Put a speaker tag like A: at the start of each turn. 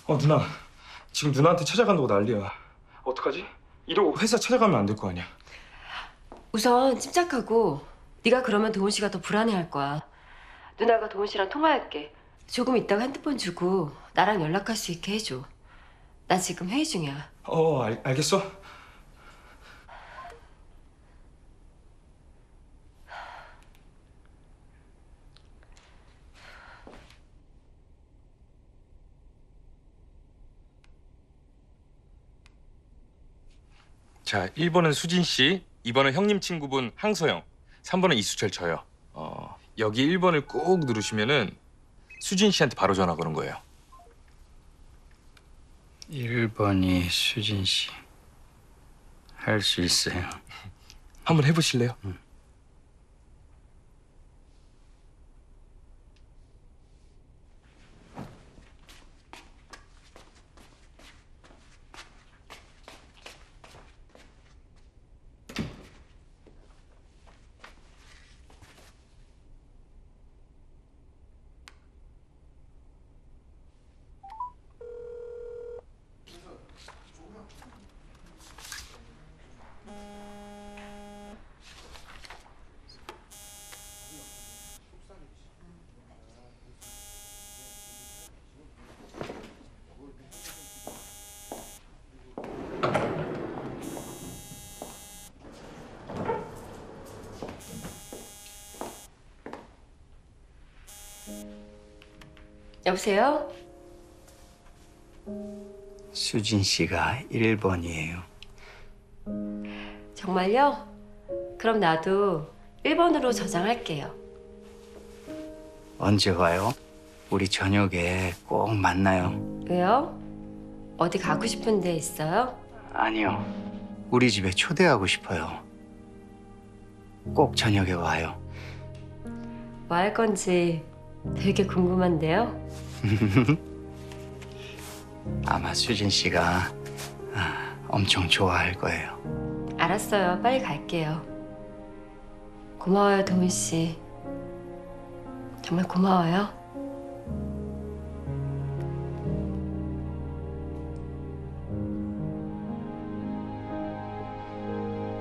A: 누나. 지금 누나한테 찾아간다고 난리야. 어떡하지? 이러고 회사 찾아가면 안 될 거 아니야.
B: 우선 침착하고 네가 그러면 도훈 씨가 더 불안해할 거야. 누나가 도훈 씨랑 통화할게. 조금 있다가 핸드폰 주고 나랑 연락할 수 있게 해줘. 나 지금 회의 중이야.
A: 알겠어.
C: 자, 1번은 수진 씨, 2번은 형님 친구분 항소영, 3번은 이수철 저요. 여기 1번을 꾹 누르시면은 수진 씨한테 바로 전화 거는 거예요.
D: 1번이 수진 씨. 할 수 있어요.
C: 한번 해보실래요?
B: 여보세요?
D: 수진 씨가 1번이에요.
B: 정말요? 그럼 나도 1번으로 저장할게요.
D: 언제 와요? 우리 저녁에 꼭 만나요.
B: 왜요? 어디 가고 싶은 데 있어요?
D: 아니요. 우리 집에 초대하고 싶어요. 꼭 저녁에 와요.
B: 뭐 할 건지 되게 궁금한데요?
D: 아마 수진 씨가 엄청 좋아할 거예요.
B: 알았어요. 빨리 갈게요. 고마워요, 도훈 씨. 정말 고마워요.